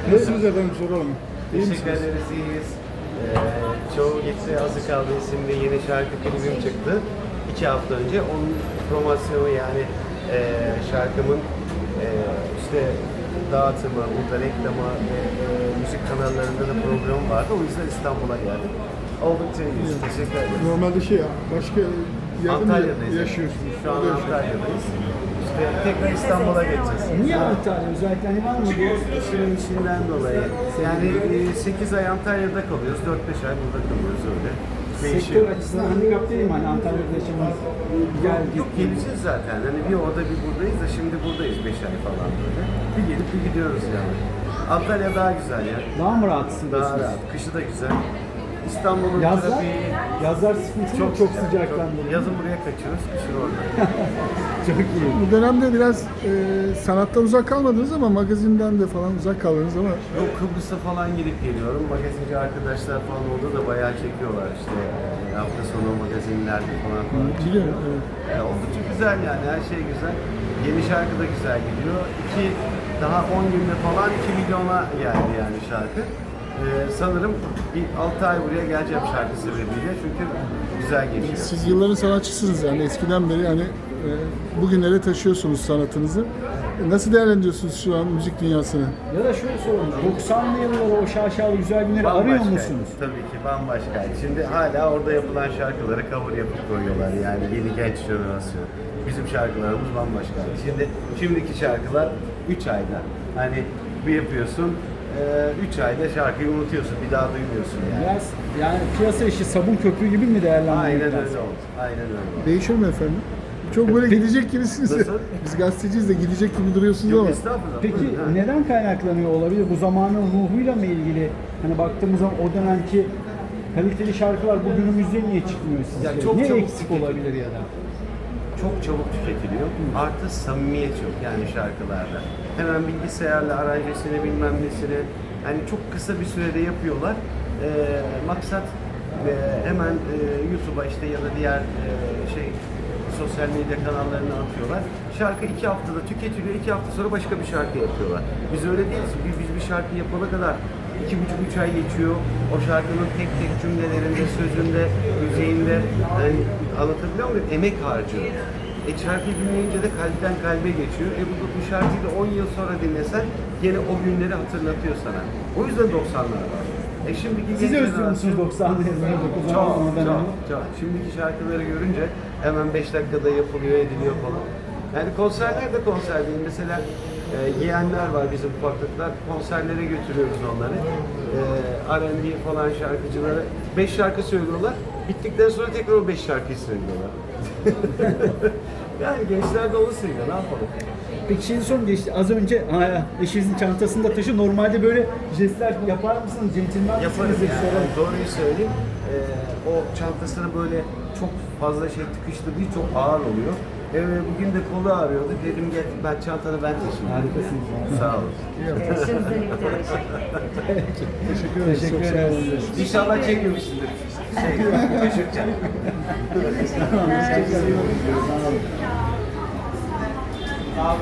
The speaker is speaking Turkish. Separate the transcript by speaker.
Speaker 1: Nasılsınız efendim soralım. İyi
Speaker 2: Teşekkür
Speaker 1: misiniz?
Speaker 2: ederiz, iyiyiz. Çoğu Gitti Azı Kaldı isimli yeni şarkı klibim çıktı. 2 hafta önce. Onun promosyonu yani şarkımın işte dağıtımı, burada reklamı, müzik kanallarında da program vardı. O yüzden İstanbul'a geldim. Oldukça iyiyiz. Teşekkür ederim.
Speaker 1: Normalde başka yerde mi
Speaker 2: Antalya'dayız.
Speaker 1: yaşıyorsunuz?
Speaker 2: Şu an
Speaker 1: Orada yaşıyorsunuz.
Speaker 2: Antalya'dayız. İşte tekrar İstanbul'a geçeceğiz.
Speaker 3: Niye Antalya? Özellikle hani var mı bu?
Speaker 2: İşimin içinden dolayı. Yani 8 ay Antalya'da kalıyoruz, 4-5 ay burada kalıyoruz öyle.
Speaker 3: Sektör açısından handikap değil mi? Hani Antalya'da yaşamak gel git.
Speaker 2: Yok geleceğiz zaten. Hani bir orada bir buradayız da şimdi buradayız 5 ay falan böyle. Bir gelip bir gidiyoruz yani. Antalya daha güzel ya.
Speaker 3: Daha mı rahatsın?
Speaker 2: Daha rahat. Kışı da güzel. İstanbul'un
Speaker 3: Yazlar,
Speaker 2: trafiği
Speaker 3: yazlar sıkıntılı çok sıcaktan dolayı.
Speaker 2: Yazın buraya kaçıyoruz, kışın orada.
Speaker 3: Çok iyi.
Speaker 1: Bu dönemde biraz sanattan uzak kalmadınız ama magazinden de falan uzak kaldınız ama
Speaker 2: Yok Kıbrıs'a falan gidip geliyorum. Magazinci arkadaşlar falan orada da bayağı çekiyorlar işte. Hafta sonu magazinlerde falan.
Speaker 1: biliyorum. Evet.
Speaker 2: Oldukça güzel yani her şey güzel. Yeni şarkı da güzel gidiyor. Daha 10 günde falan 2 milyona geldi yani şarkı. Sanırım bir 6 ay buraya geleceğim şarkı sebebiyle çünkü güzel geçiyor.
Speaker 1: Siz yılların sanatçısınız yani eskiden beri hani bugünlere taşıyorsunuz sanatınızı. Nasıl değerlendiriyorsunuz şu an müzik dünyasını?
Speaker 3: Ya da şöyle soralım. 90'lı yılları o şaşalı güzel günleri arıyor
Speaker 2: Bambaşkaydı.
Speaker 3: musunuz?
Speaker 2: Tabii ki bambaşkaydı. Şimdi hala orada yapılan şarkıları cover yapıp koyuyorlar yani yeni genç jenerasyon. Bizim şarkılarımız bambaşkaydı. Şimdiki şarkılar 3 ayda. Hani bir yapıyorsun, 3 ayda şarkıyı unutuyorsun, bir daha duymuyorsun yani.
Speaker 3: Biraz yani piyasa işi sabun köprü gibi mi değerlendiriyorsunuz?
Speaker 2: Aynen öyle oldu. Aynen öyle oldu.
Speaker 1: Değişir mi efendim? Çok böyle gidecek gibisiniz.
Speaker 2: Nasıl?
Speaker 1: Biz gazeteciyiz de gidecek gibi duruyorsunuz
Speaker 2: Yok
Speaker 1: ama.
Speaker 2: estağfurullah.
Speaker 3: Peki
Speaker 2: Buyurun, ha.
Speaker 3: neden kaynaklanıyor olabilir? Bu zamanın ruhuyla mı ilgili? Hani baktığımız zaman o dönemki kaliteli şarkılar bugünümüzde niye çıkmıyor sizce?
Speaker 2: Ya çok
Speaker 3: ne
Speaker 2: çabuk
Speaker 3: eksik olabilir ya da?
Speaker 2: Çok çabuk tüketiliyor. Artı samimiyet yok yani şarkılarda. Hemen bilgisayarla aranjesini bilmem nesini hani çok kısa bir sürede yapıyorlar. Maksat hemen YouTube'a işte ya da diğer sosyal medya kanallarına atıyorlar. Şarkı 2 haftada tüketiliyor, 2 hafta sonra başka bir şarkı yapıyorlar. Biz öyle değiliz. Biz bir şarkı yapana kadar 2,5-3 ay geçiyor. O şarkının tek tek cümlelerinde, sözünde, müziğinde yani anlatabiliyor muyum? Emek harcıyor. Şarkıyı dinleyince de kalpten kalbe geçiyor. Bu şarkıyı da 10 yıl sonra dinlesen gene o günleri hatırlatıyor sana. O yüzden 90'lar var. Şimdiki
Speaker 3: Siz
Speaker 2: genç
Speaker 3: özlüyor musunuz
Speaker 2: jenerasyon-
Speaker 3: 90'lı yılları?
Speaker 2: çok. Şimdiki şarkıları görünce hemen 5 dakikada yapılıyor, ediliyor falan. Yani konserler de konser değil. Mesela yeğenler var bizim ufaklıklar. Konserlere götürüyoruz onları. R&B falan şarkıcıları. 5 şarkı söylüyorlar. Bittikten sonra tekrar o 5 şarkıyı söylüyorlar. Yani gençler de onu seviyor. Ne yapalım?
Speaker 3: Peki şimdi son geçti. Az önce eşinizin çantasında taşı normalde böyle jestler yapar mısınız? Centilmen
Speaker 2: Yaparız
Speaker 3: misiniz?
Speaker 2: yani.
Speaker 3: Soralım.
Speaker 2: Doğruyu söyleyeyim. O çantasına böyle çok fazla şey tıkıştırdığı çok ağır oluyor. Bugün de kolu ağrıyordu. Dedim gel ben çantanı ben taşıyayım.
Speaker 3: Harikasınız.
Speaker 2: Sağ olun.
Speaker 4: Şimdilik de
Speaker 1: Teşekkür ederiz.
Speaker 3: Teşekkür
Speaker 1: Çok sağ olun.
Speaker 3: ederiz.
Speaker 2: İnşallah çekmemişsindir. Küçükken.
Speaker 4: teşekkürler.